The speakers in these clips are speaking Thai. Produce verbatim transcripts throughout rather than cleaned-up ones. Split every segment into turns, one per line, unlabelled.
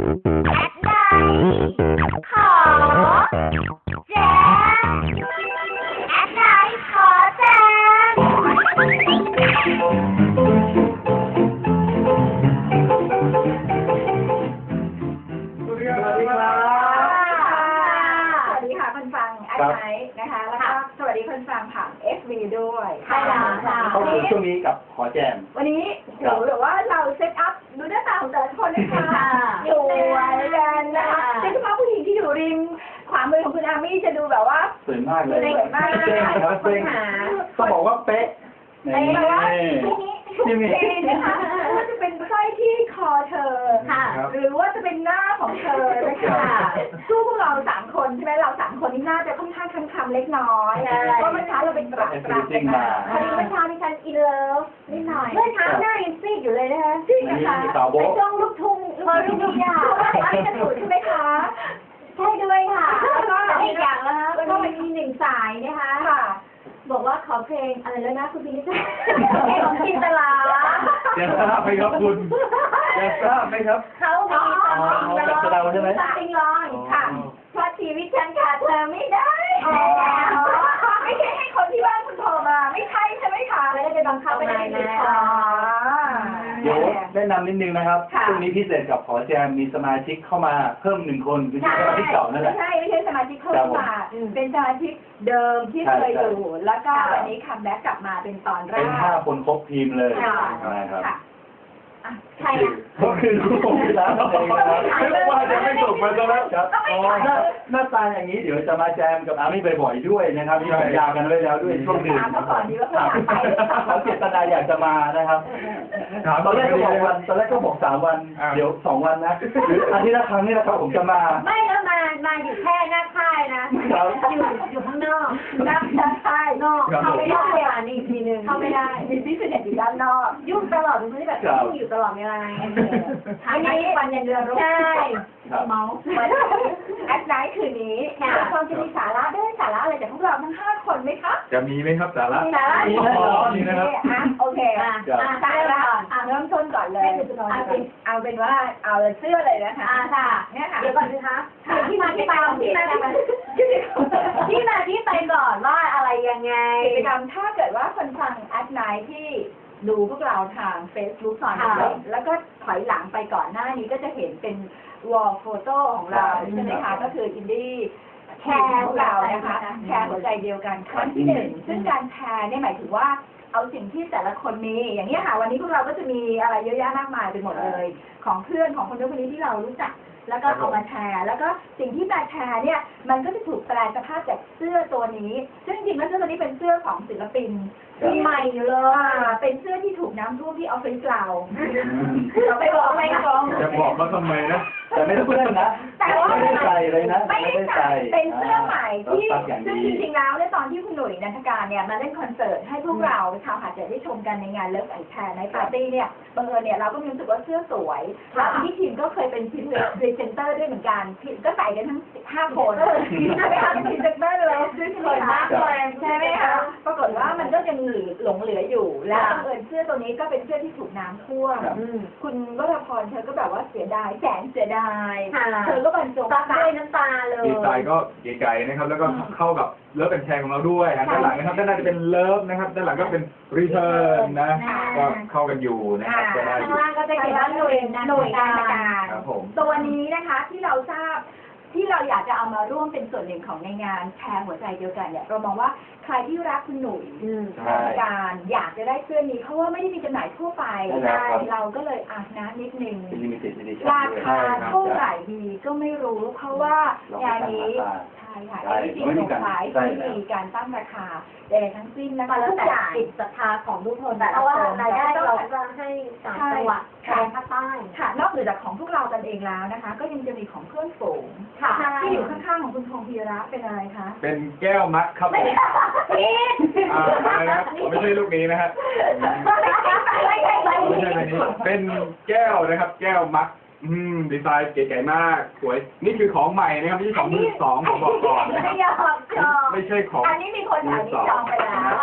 นะคะแล้วก็สวัสดีคนฟังผ่าน เอฟ วี ด้วยใช่
แล้
แล้ว ว
ค่ะ
ค่ะ
เข้าสู่ช่วงนี้กับขอแจม
วันนี้หนูหรือว่าเราเซตอัพดูหน้าตาของแต่ละคนนะคะอยู่กันนะคะโดยเฉพาะผู้หญิงที่อยู่ริมขวามือของคุณอามี่จะดูแบบว่า
สวยมากเลย
สวยมาก
เป๊ะนะครับเป๊ะต้องบอกว่าเป๊ะ
เป๊ะแบบว่าที่นี่ที่นี่นะคะไม่ว่าจะเป็นสร้อยที่คอเธอค่ะหรือว่าจะเป็นหน้าของเธอนะคะสู้พวกเราสามคนใช่ไหมเราสามคนนี่น่าจะค่อนข้างคำๆเล็กน้อยเพราะเมื่อเช้าเราเป็นตรักตรักกันมาพอดีเมื่อเช้าดิฉันอินเลิฟนิดหน่อยเมื่อเช้าหน้ายังซีดอยู่เลยนะคะซีดนะคะในช่วงลูกทุ่งพอลูกทุ่งยาวไม่จะถูกใช่ไหมคะใช่ด้วยค่ะแล้วก็อีกอย่างนะคะแล้วก็มีหนึ่งสายนะคะค่ะบอกว่าขอเพลงอะไรแล้วนะคุณพินิจเพลงของจินตลา
จะทราบไหมครับคุณจะทราบไหมครับ
เขามีตัดสินร้อง
ใช่ไหม
ตัดสินร้องค่ะเพราะชีวิตฉันขาดเธอไม่ได้ไม่ใช่ให้คนที่บ้านคุณโทรมาไม่ใช่ใช่ไหมคะไม่ได้ไปบังคับไม่ได้เลยค่ะ
เดี๋ยวแนะนำนิดนึงนะครับช่วงนี้พิเศษกับขอแจมมีสมาชิกเข้ามาเพิ่มหนึ่งคนคือสมาชิกเก่านั่นแหละ
ไม่ใช่ไม่ใช่สมาชิกเพิ่มมาเป็นสมาชิกเดิมที่เคยอยู่แล้วก็วันนี้คัมแบ็กกลับมาเป็นตอนแรก
เป็นห้าคนครบทีมเลยนะครับ
ใครอ่ะ
ก็คือลูกผมที่ร้านเองนะครับไม่ว่าจะไม่ส่งมาซะแล้วครับหน้าตาอย่างนี้เดี๋ยวจะมาแจมกับอามี่บ่อยๆด้วยนะครับที่สัญญากันไว้แล้วด้วยช่วงหนึ่งเขาเจตนาอยากจะมานะครับตอนแรกก็บอกวันตอนแรกก็บอกสามวันเดี๋ยวสองวันนะหรืออาทิตย์ละครั้งนี่นะครับผมจะมา
ไม่แล้วมามาอยู่แค่หน้าค่ายนะอยู่อยู่ข้างนอกหน้าค่ายนอกเข้าไม่ได้อ่ะนี่อีกทีนึงเข้าไม่ได้มีพิเศษอยู่ด้านนอกยุ่งตลอดเป็นคนที่แบบยุ่งอยู่ตลอดเวลาอันนี้วันยันเดือนรู้ใช่เมาแอดไนท์คืนนี้ความจะมีสาระได้สาระอะไรจากพวกเราทั้งห้าคนไหมคะ
จะมีไหมครับสาระ
สาระ
มีนะครับ
โอเคสาระเริ่มต้นก่อนเลยเอาเป็นเอาเป็นว่าเอาเสื้อเลยนะคะเนี่ยค่ะเดี๋ยวก่อนสิคะที่มาที่ไปที่มาที่มาที่มาที่ไปก่อนว่าอะไรยังไงกิจกรรมถ้าเกิดว่าคนฟังแอดไนท์ที่ดูพวกเราทาง Facebook ตอนนี้แล้วก็ถอยหลังไปก่อนหน้านี้ก็จะเห็นเป็นวอลโฟโต้ของเราใช่ไหมคะก็คืออินดี้แชร์ของเรานะคะแชร์หัวใจเดียวกันครั้งที่หนึ่งซึ่งการแชร์เนี่ยหมายถึงว่าเอาสิ่งที่แต่ละคนมีอย่างนี้ค่ะวันนี้พวกเราก็จะมีอะไรเยอะแยะมากมายไปหมดเลยของเพื่อนของคนนู้นคนนี้ที่เรารู้จักแล้วก็เอามาแชร์แล้วก็สิ่งที่มาแชร์เนี่ยมันก็จะถูกแปลสภาพจากเสื้อตัวนี้ซึ่งจริงๆแล้วเสื้อตัวนี้เป็นเสื้อของศิลปินที่ใหม่อยู่เลยเป็นเสื้อที่ถูกน้ำท่วมที่ออฟฟิศเราเราไปบอกไม่กอง
จะบอกว่าทำไมนะ
แต่ไม่ได้เพื่อนนะแต่ว่าไม่ได้ใส่เลยนะ
ไม่ได้ใส่เป็นเสื้อใหม่ที่ซึ่งจริงๆแล้วในตอนที่คุณหนุ่ยนันทการเนี่ยมาเล่นคอนเสิร์ตให้พวกเราชาวหาดใหญ่ได้ชมกันในงานเลิฟไอแคร์ในปาร์ตี้เนี่ยบังเอิญเนี่ยเราก็มีรู้สึกว่าเสื้อสวยที่ทีมก็เคยเป็นพรีเซนเตอร์ด้วยเหมือนกันก็ใส่กันทั้งห้าคนใช่ไหมคะพรีเซนเตอร์เลยซื้อสวยมากเลยใช่ไหมคะปรากฏว่ามันก็ยังหลงเหลืออยู่และบังเอิญเสื้อตัวนี้ก็เป็นเสื้อที่ถูกน้ำท่วมคุณวรพรเธอก็แบบว่าเสียดายแสนเสียดายเธอก็บรรจงด้วยน้ำตาเลย
ดีไซน์ก็เก๋ๆนะครับแล้วก็เข้ากับเลิฟเป็นแชร์ของเราด้วยด้านหลังนะครับด้านหน้าจะเป็นเลิฟนะครับด้านหลังก็เป็นรีเทิร์นนะก็เข้ากันอยู่นะครับ
ก็ได้อยู่ข้างล่างก็จะเขียนว่าหน่วยหน่วยงานการตัวนี้นะคะที่เราทราบที่เราอยากจะเอามาร่วมเป็นส่วนหนึ่งของในงานแชร์หัวใจเดียวกันเนี่ยเรามองว่าใครที่รักคุณหนุ่ยการอยากจะได้เสื้อนี้เพราะว่าไม่ได้มีจำหน่ายทั่วไปเราก็เลยอ่ะนะนิดนึงราคาเท่าไหร่ดีก็ไม่รู้เพราะว่างานนี้ใช่ค่ะที่จริงสงสัยที่มีการตั้งราคาแต่ทั้งสิ้นนะคะแล้วแต่ติดศรัทธาของทุกคนเพราะว่ารายได้เราจะให้สามจังหวัดแทนภาคใต้ค่ะนอกจากของพวกเรากันเองแล้วนะคะก็ยังจะมีของเพื่อนฝูงค่ะที่อยู่ข้างๆของคุณพงษ์พีระเป็นอะไรคะ
เป็นแก้วมัดครับผมอ่าอะไรนะครับไม่ใช่ลูกนี้นะฮะไม่ใช่แบบนี้เป็นแก้วนะครับแก้วมัดอืมดีไซน์เก๋ๆมากสวยนี่คือของใหม่นะครับไม่ใช่ของมือสองผมบอกก่อนนะครับไม่ใช่ของ
อันนี้มีคนถามที่จองไปแล้ว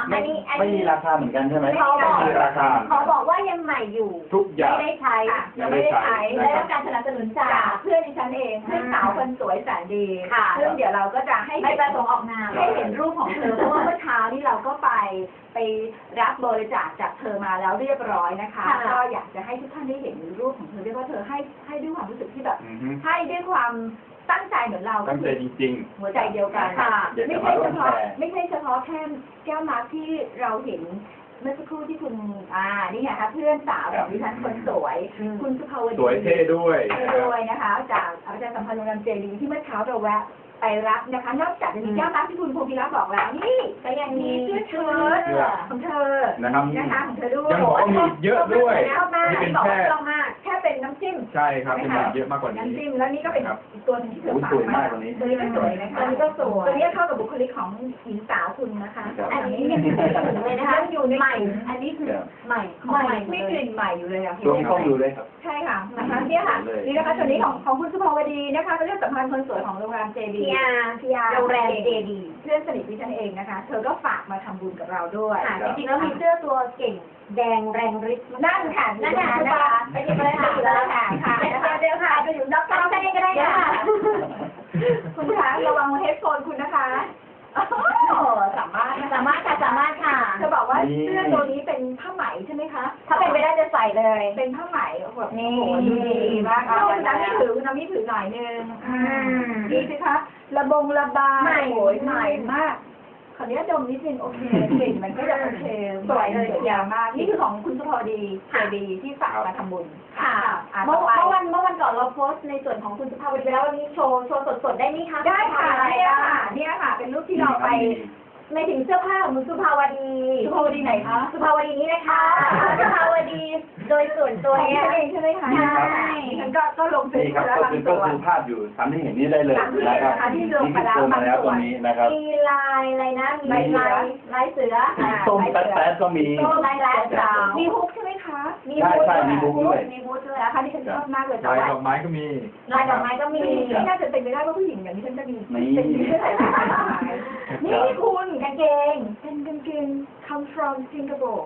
ไม่ไม่มีราคาเหมือนกันใช่ไหม
เขาบอก
ไม่มีราคา
เขาบอกว่ายังใหม่อยู่
ทุกอย่าง
ไม่ได้ใช้
ยังไม่ได้ใช้
ได้รับการสนับสนุนจากเพื่อนดิฉันเองเพื่อนสาวคนสวยแสนดีซึ่งเดี๋ยวเราก็จะให้ไม่ประสงค์ออกนามให้เห็นรูปของเธอเพราะว่าเมื่อเช้านี้เราก็ไปไปรับบริจาคจากเธอมาแล้วเรียบร้อยนะคะก็อยากจะให้ทุกท่านได้เห็นรูปของเธอเรียกว่าเธอให้ให้ด้วยความรู้สึกที่แบบ
อือฮึ
ให้ด้วยความตั้งใจเหมือนเรา
ตั้งใจจริง
หัวใจเดียวกันค่ะไม่ใช่เฉพาะไม่ใช่เฉพาะแค่แก้วมาร์คที่เราเห็นเมื่อสักครู่ที่คุณอ่านี่ไงคะเพื่อนสาวของดิฉันคนสวย คุณสุภาวดี
ๆ สวยเท่ด้วย
เท่ด้วยนะคะ จากอาจารย์สัมพันธ์โรงแรมเจดีที่เมื่อเช้าเราแวะไปรับนะคะ นอกจากจะมีแก้วน้ำที่คุณภูมิรัตน์บอกแล้วนี่ก็ยังมีเสื้อเชิ้ตของเธอ
นะครับ
นะคะของเธอด้วย
ยังบอกว่ามีเยอะด้วย
ชอบมาก
นี่เป็น
บอก
แค่
ว่าชอบมากแค่เป็นน้ำจิ้ม
ใช่ครับเป็นแบบเยอะมากกว่านี้
น้ำจิ้มแล้วนี่ก็เป็นอีกตัวหนึงที่เธอ
อุ๊ย
ฝาก
สวยมาก
มา
ตัวนี้
ตัวนี้ก็สวยนะคะตัวนี้ก็สวยตัวนี้เข้ากับบุคลิกของหญิงสาวคุณนะคะ
ครับ
อันนี้ยังอยู่เลยนะคะอยู่ในใหม่ อันนี้คือใหม่ของใหม่ไม่กลิ่นใหม่อยู่เลยอ่ะ
ตัวนี้ต้องดูเลยครับ
ใช่ค่ะนะคะเนี่ยค่ะนี่นะคะตัวนี้ของของคุณสุภาวดีนะคะเป็นเรื่องสำคัญคนสวยของโรงแรมเจดีพีอาร์โรงแรมเจดีเพื่อนสนิทดิฉันเองนะคะ เธอก็ฝากมาทำบุญกับเราด้วยจริงๆแล้วมีเสื้อตัวเก่งแดงแรงฤทธิ์นั่นค่ะนั่นค่ะนะคะไปหยิบเลยค่ะเลยค่ะค่ะเดี๋ยวเดี๋ยวค่ะไปอยู่ด็อกเตอร์เองก็ได้ค่ะคุณคะระวังเฮดโฟนคุณนะคะสามารถสามารถค่ะสามารถค่ะเธอบอกว่าเสื้อตัวนี้เป็นผ้าไหมใช่ไหมคะถ้าเป็นไปได้จะใส่เลย เป็นผ้าไหมแบบนี่ดีมากคุณน้ำมีถือคุณน้ำมีถือหน่อยนึงดีสิคะระบงระบายโอยใหม่มากขออนุญาตดมนิดนึงโอเคกลิ่นมันก็จะโอเคสวยเลยยาวมากนี่คือของคุณสุภาวดีเจดีที่ฝากมาทำบุญค่ะเมื่อวันเมื่อวันก่อนเราโพสต์ในส่วนของคุณสุภาวดีไปแล้ววันนี้โชว์โชว์สดๆได้ไหมคะได้ค่ะเนี่ยค่ะเนี่ยค่ะเป็นรูปที่เราไปในถึงเสื้อผ้าของคุณสุภาวดีสุภาวดีไหนคะสุภาวดีนี้นะคะสุภาวดีโดยส่วนตัวเนี้ยเองใช่ไหมคะใช่ฉันก็ก็ลงเฟซ
นี่ครับ
แล้ว
ก็
บาง
คือ
ตั
ก็
ว
คือภาพอยู่ทำให้เห็นนี่ได้เลยนะครับ
ที่
นี่
ลง
คือ
มาแล้ว
ตัวมาแล้วตัวนี้นะครับ
มีลายอะไรนะมีลายลายเสือ
ส้มแป๊ดๆก็มี
ส้มลายแป๊ดมีฮุกใช่ไหมคะมี
ใช่ใช่มีฮุกด้วย
มีฮุกด้วยนะคะที่ฉันชอบมากเลย
ลายดอกไม้ก็มี
ลายดอกไม้ก็มีไม่น่าจะเป็นไปได้ว่าผู้หญิงอย่างนี้ฉันจะมี
มี
เป็นมีเสื้อลายดอกไม้นี่คุณกางเกงเป็นกางเกง come from Singapore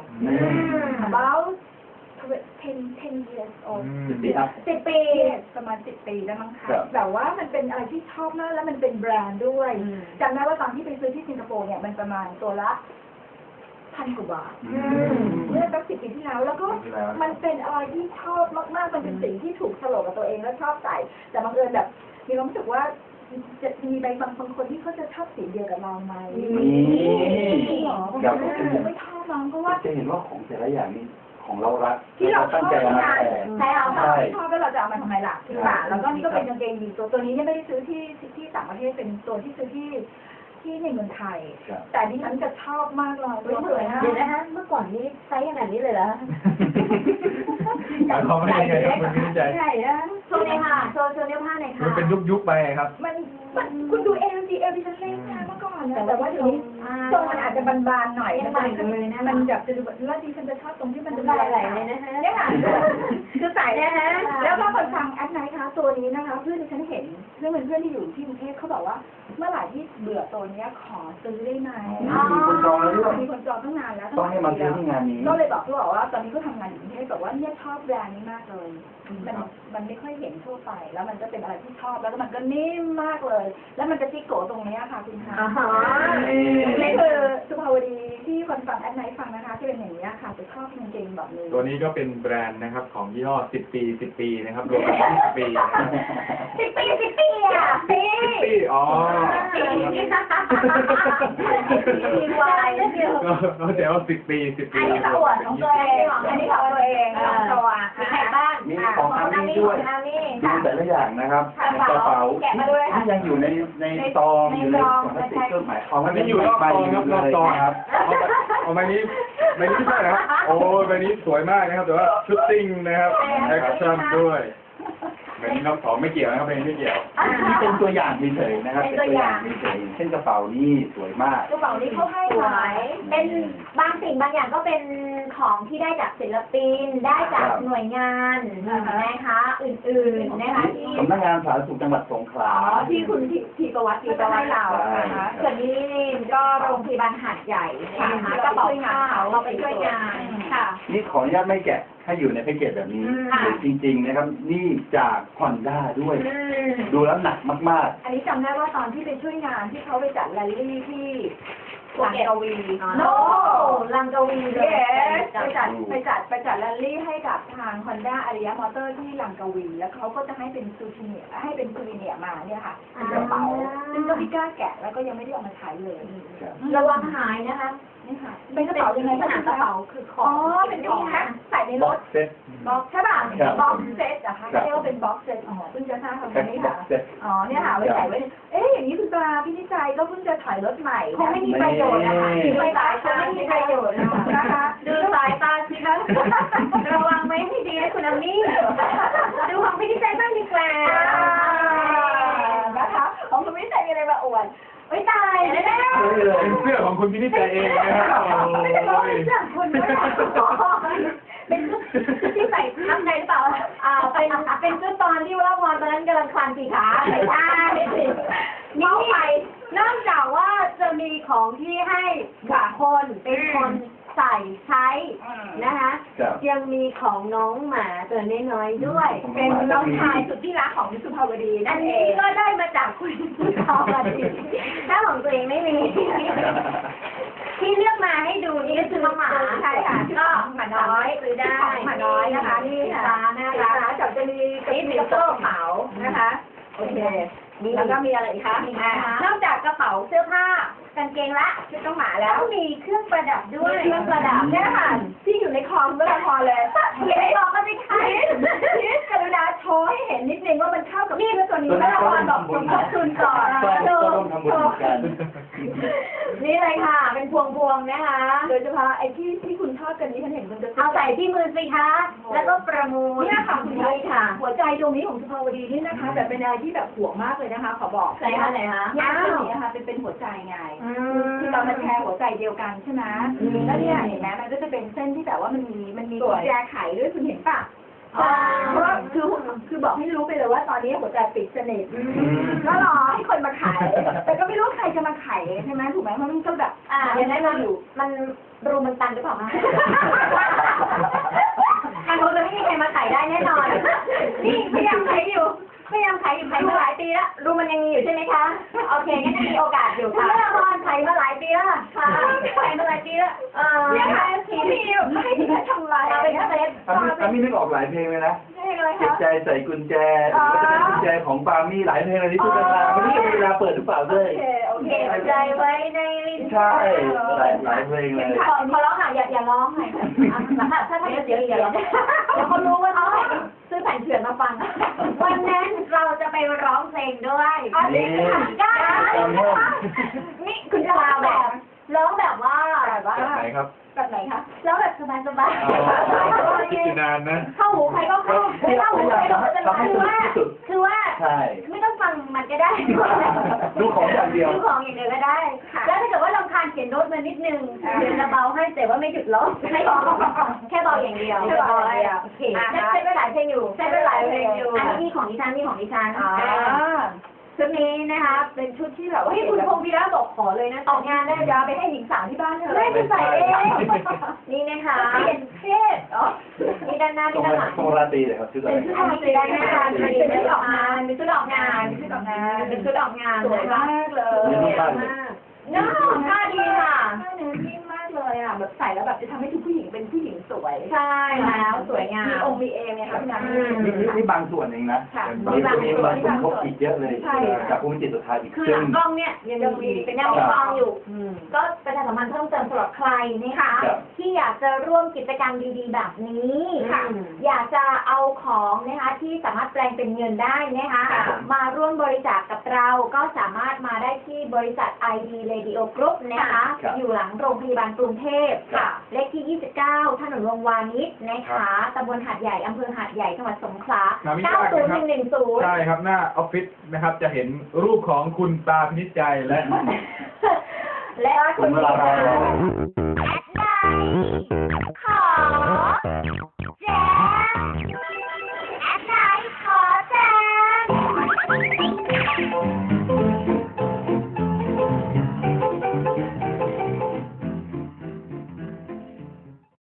about ten ten years old
สิบปีครับ
สิบปีประมาณสิบปีแล้วมั้งคะแบบว่ามันเป็นอะไรที่ชอบมากแล้วมันเป็นแบรนด์ด้วยจำได้ว่าตอนที่ไปซื้อที่สิงคโปร์เนี่ยมันประมาณตัวละพันกว่าบาทเมื่อสักสิบปีที่แล้วแล้วก็มันเป็นอะไรที่ชอบมากๆมันเป็นสิ่งที่ถูกโฉลกกับตัวเองแล้วชอบใส่แต่บังเอิญแบบมีความรู้สึกว่าจะมีบางบางคนที่เขาจะชอบสีเดียวกับเราไหม
นี่
หรอผมไม่ชอบน้องเพราะว่า
จะเห็นว่าของแต่ละอย่างนี้ของเรารัก
ที่เราช
ตั้
อง บ
ใจเอามา
งาน
แชร์
ใช่เราชอบแล้วเราจะเอามาทำไมล่ะใช่ป่ะแล้วก็นี่ก็เป็นกางเกงยีนตัวตัวนี้เนี่ยไม่ได้ซื้อที่ที่ต่างประเทศเป็นตัวที่ซื้อที่ที่ในเมืองไทย แต่ดิฉันจะชอบมากเลยตัวสวยนะเดี๋ยวนะคะเมื่อก่อนนี้ไซส์ขนาดนี้เลยเหรอ
เขาไม่ได้ไงครับมันไม่ได้ใจ
ใช่นะโชว์เลยค่ะโชว์โชว์เนื้อผ้าหน่อยค่ะ
มันเป็นยุคๆไปครับ
มันมันคุณดูเอลดีเอลดิฉันเล่นนะเมื่อก่อนนะแต่ว่าเดี๋ยวนี้ทรงมันอาจจะบานๆหน่อยมันเลยนะมันแบบจะดูแบบแล้วดิฉันจะชอบตรงที่มันดูไหลๆเลยนะคะเนี่ยค่ะคือใส่นะฮะแล้วก็คนฟังแอดไนท์คะตัวนี้นะคะเพื่อนดิฉันเห็นเพื่อนเป็นเพื่อนที่อยู่ที่กรุงเทพเขาบอกว่าเมื่อไหร่ที่เบื่อตัวนี้ขอซื้อได้ไหม
มีคนจองแล้วด้วย
มีคนจองตั้งนานแล้ว
ต้องให้มาซื้อที่งานนี้
ก็เลยบอกเขาบอกว่าตอนนี้ก็ทำงานอยู่กรุงเทพบอกว่าเนี่ยชอบแบรนด์นี้มากเลยมันมันไม่ค่อยเห็นทั่วไป แล้วมันก็เป็นอะไรที่ชอบแล้วก็มันก็นิ่มมากเลย แล้วมันจะจิกโกตรงนี้ค่ะคุณคะนี่คือสุภาวดีที่คนฟังแอดไนท์ฟังนะคะที่เป็นอย่างนี้ค่ะจะชอบจริงๆแบบนี้
ตัวนี้ก็เป็นแบรนด์นะครับของยี่ห้อสิบปีสิบปีนะครับรวมกันยี่สิบปีนะครับ
สิบปีสิบปีอ่ะปี
สิบปีอ๋อ
ปีปีวายนั่นเดียว
ก็แต่ว่าสิบปีสิบปี
อันนี้ขวดของตัวเองอันนี้ของตัวเองของตัวมีใครบ้าง
มีของอามี่ด้วยดูแต่ละอย่างนะครับในกระเป๋าที่ยังอยู่ในในซองอยู่ในของพลาสติกเครื่องหมายของ
อันนี้อยู่รอบซองครับรอบซองครับเอาใบนี้ใบนี้ไม่ใช่นะครับโอ้ใบนี้สวยมากนะครับแต่ว่าชุดติ้งนะครับแอคชั่นด้วยมือนรอบสองไม่เกี่ยวนะครับเป็นไม่เกี่ยว
นี่เป็นตัวอย่างเฉยๆนะครับเป็นตัวอย่างเฉยๆเช่นกระเป๋านี่สวยมาก
กระเป๋านี้เขาให้
สว
ไว้
ยเป็นบางสิ่งบางอย่างก็เป็นของที่ได้จากศิลปิน ได้จากหน่วยงานนะคะอื่นๆนะคะที่
สำนักงานสาธารณสุขจังหวัดสงขลา
อ๋อที่คุณทีทีประวัติทีประวัติเรานะคะ
ส่วนนี้ก็โรงพยาบาลหาดใหญ่นะคะกระเป๋าผ้าเราไปช่วยงานค่ะ
นี่ขออนุญาตไม่แกะให้อยู่ในแพ็กเกจแบบนี้
อืม
หรือจริง ๆ นะครับ นี่จากฮอนด้าด้วย
อืม
ดูแล้วหนักมาก
อันนี้จำได้ว่าตอนที่ไปช่วยงานที่เขาไปจัดแรลลี่ที่ลังกาวี
โนลังกาวีเล
เย้
ย
ไปจัดไปจัดไปจัดแรลลี่ให้กับทาง Honda อาริยะมอเตอร์ที่ลังกาวี แล้วเขาก็จะให้เป็นซูชิเนียให้เป็นซูวิเนียมาเนี่ยค่ะเป็นกระเป๋าซึ่งก็ไม่กล้าแกะแล้วก็ยังไม่ได้เอามาใช้เลย
ๆครับ
ระวังหายนะคะ
นี่ค่ะเป็นกระเป๋ายังไง
ขนาดกระเป๋าคือขอ
อ๋
ง
อเป็นของใส่ในร
บ็อก
ถ
เซ็ต
บ็อกใช่ป่ะ
ครับ
บ็อกเซตอะค่ะ
ครับ
เรียกว่าเป็นบ็อกเซตอ๋อเพิ่งจะทราบคำ
แพ็ค
นี้
บ็อ
ค่ะ
กเซ็ต
อ๋อเนี่ยค่ะไว้ใส่ไว้เอ๊ะอย่างนี้คุณปลาพี่นิจัยก็เพิ่งจะถอยรถใหม่
คงไม่มีประโยชน์นะคะ
นี่
ไม่ตายคงไม่มีประโยชน์นะคะ ดูสายตาสิคะระวังไม่ให้ดีนะคุณอามี่ดูของพี่นิจัยบ้างดีกว่า
นะคะของคุณวิจัยมีอะไรมาอวด
ไม่ตายแน่ๆ
เป็นเสื้อของคุณพินิจใจเองนะครับโอ้
ไม่ได้บอก
ย
เป็นเรื่องคุณด้วยเป็นที่ใส่ทับในหรือเปล่า
อ่าเป็นเป็นชุดตอนที่ว่าพรตอนนั้นกำลังคลานสี่ขาไม่ใช่นี่นอกจากว่าจะมีของที่ให้กับคนเป็นคนใส่ใช้นะคะ
ครับ
ยังมีของน้องหมาตัวน้อยๆด้วย
เป็นน้องชายสุดที่รักของสุภาวดี
อั
นั่
น
นเอ
นี้
ง
ก็ได้มาจากคุณผู้ชมถ้าของตัวเองไม่มี ที่เลือกมาให้ดูนี่ก็คือน้องหมา
ใช่ค่ะ
ก็หมาน้อยซื้อได้
หมาน้อยนะคะนี่ค่ะ
ร้านน่า
ร้า
รัก
นจับจะมีกระเป๋ากระเป๋านะคะโอเคแล้วก็มีอะไรอีกคะนอกจากกระเป๋าเสื้อผ้ากางเกงละชุดน้องหมาแล้ว
ต้องมีเครื่องประดับด้วย
เครื่องประดับเนี่ยค่ะที่อยู่ในคอมเมื่อพอเลย
อย่าไปบอกก็ไม่ใช่
พีทกรุณาโชว์ให้เห็นนิดนึงว่ามันเข้ากับเสื้อตัวนี้เมื่อพรบอกสมทบทุนก่อน
ก็ก็ร่วมทำบุญเหมือนกัน
นี่เลยค่ะ เป็นพวงๆนะคะ
โดยเฉพาะไอ้ที่ที่คุณชอบกันนี้ฉันเห็นคุณจะ
เอาใส่ที่มือสิคะ แล้วก็ประมูล
เนี่ยค่ะคุณ
นี่ค่ะ
หัวใจตรงนี้ของสุภาวดีนี่นะคะแบบเป็นอะไรที่แบบห่วงมากเลยนะคะ ขอบอก
ไหนคะไหนคะ
เนี่ยคือนี้นะคะเป็นเป็นหัวใจไง
อื
คือเรามาแชร์หัวใจเดียวกันใช่ไหมแล้วเนี่ยเห็นไหมมันก็จะเป็นเส้นที่แบบว่ามันมีมันมีกุญแจไขด้วยคุณเห็นป่ะเพราะว่าคือคือบอกให้รู้ไปเลยว่าตอนนี้หัวใจปิดสนิทก็รอให้คนมาไขแต่ก็ไม่รู้ใครจะมาไขใช่ไหมถูกไหมเพราะมันก็แบบ
อ่า
ยั
ยัง ง
ได้
ได้
มา
มา
อ
อยู่
ยู่
มันรูมันตันหรือเปล่าคะมันคงจะไม่มีใครมาไขได้แน่นอน นี่พยายามไขอยู่พยายามไขอยู่ไขมาหลายปีแล้วรูมันยังมีอยู่ใช่ไหมคะ โอเคงั้นมีโอกาสอยู่ค่ะละครไขมาหลายปีแล้วค่ะไขมาหลายปีแล้วเออ
เนี่ยค่ะทีมีไม่ให้ที่ทำลาย
เราเป็นเซฟ
อามี่อามี่นึกออกหลายเพลงเลยนะ
เพลงอะไร
เก็บ
คะ
ใจใส่กุญแจหรือว่าจะเป็นกุญแจของปามี่หลายเพลงเลยที่พูดกันมาไม่รู้จะมีเวลาเปิดหรือเปล่าด้
โอ
วย
เคโอเค
เก็บใจไว้ในลิ้น
ใช่หลายหลายเพลงเลย
ขอขอร้องค่ะอย่าอย่าร้องหน่อยถ้าถ้าถ้าเดี๋ยวอย่าร้องเดี๋ยวเขารู้ว่าเขาซื้อแผ่นเถื่อนมาฟัง วันนั้นเราจะไปร้องเพลงด้วย
นี่
ได้
จำได้
นี่คุณจะร้องแบบร้องแบบว่า
แบบว่า
แบบไหนครับ
แบบไหนคะ
ร้องแบบสบาย
อ๋อ
ๆ
คิดอยู่นานนะ
เข้าหูใครก็เข้าไม่เข้าหูใครก็ไม่เป็นไร
ทำให้
คือ
สนุก
ว่า
ที่สุด
คือว่า
ใช่
ไม่ต้องฟังมันก็ได้
ดูของอย่างเดียว
ดูของอย่างเดียวก็ได้ แล้วถ้าเกิดว่าลำคาญเขียนโน้ตมานิดนึงเดี๋ยวจะเบาให้แต่ว่าไม่หยุดร้องไม่ร้องแค่เบาอย่างเดียว
แค่เบาอย่างเดียว
โอเคใช้ไปหลายเพลงอยู่
ใช้ไปหลายเพลงอยู่
อันนี้มีของดิฉันมีของดิฉัน
อ่า
ชุดนี้นะคะ
เป็นชุดที่แบบว่า
พี่คุณพงศ์พีระบอกขอเลยนะ
ออกงานได้ยาไปให้หญิงสาวที่บ้านเธอ
ไม่ไปใส่เองนี่นะคะ
เปลี่ยนเพศอ๋อ
นี่ด้านหน้า
ตร
นี่
ง
ด้านหลัง
ตรงราตรีเลยครับชื่ออะไร
อันนี้คือด้านหน้าเป็นชุดออกงานเป็นชุดออกงาน
เป็นชุดออกงาน
เป็นชุดออกงาน
สวยมากเลย
นี่รูปบ้านเลย
น่าค่าดีค่ะ
หน้าเนื้อนิ่มมากเลยอ่ะแบบใส่แล้วแบบจะทำให้ทุกผู้หญิงเป็นผู้หญิงสวย
ใช่แล้วสวยงาม
มีองค์มีเอมไงคะพี่น้ำ
อืม
นี่นี่นี่บางส่วนเองนะ
ค่ะ
มีบางส่วนสมทบอีกเยอะเลย
ใช่
จากผู้มีจิตสุดท้ายอีก
คือ
ซึ่
ห
ง
ลังกล้องเนี่ยยังมีเป็นยังมีฟองอยู่ ก็ประชาสัมพันธ์เพิ่มเติมสำหรับใครนะคะ
ครับ
ที่อยากจะร่วมกิจกรรมดีๆ แบบนี้
ค่ะ
อยากจะเอาของนะคะที่สามารถแปลงเป็นเงินได้นะคะ
ค่ะ
มาร่วมบริจาคกับเราก็สามารถมาได้ที่บริษัท ไอ ดี Radio Group นะคะ
ครับ
อยู่หลังโรงพยาบาลกรุงเทพพค่ะเลขที่ยี่สิบเก้าถนนวงวานิชนะคะตำบลหาดใหญ่อำเภอหาดใหญ่จังหวัดสงขลาเก้าศูนย์หนึ่งหนึ่งศูนย์
ใช่ครับหน้าออฟฟิศนะครับจะเห็นรูปของคุณตาพินิจใจและ
และคุณ
เวลาเรา
แอดไลน์ขอ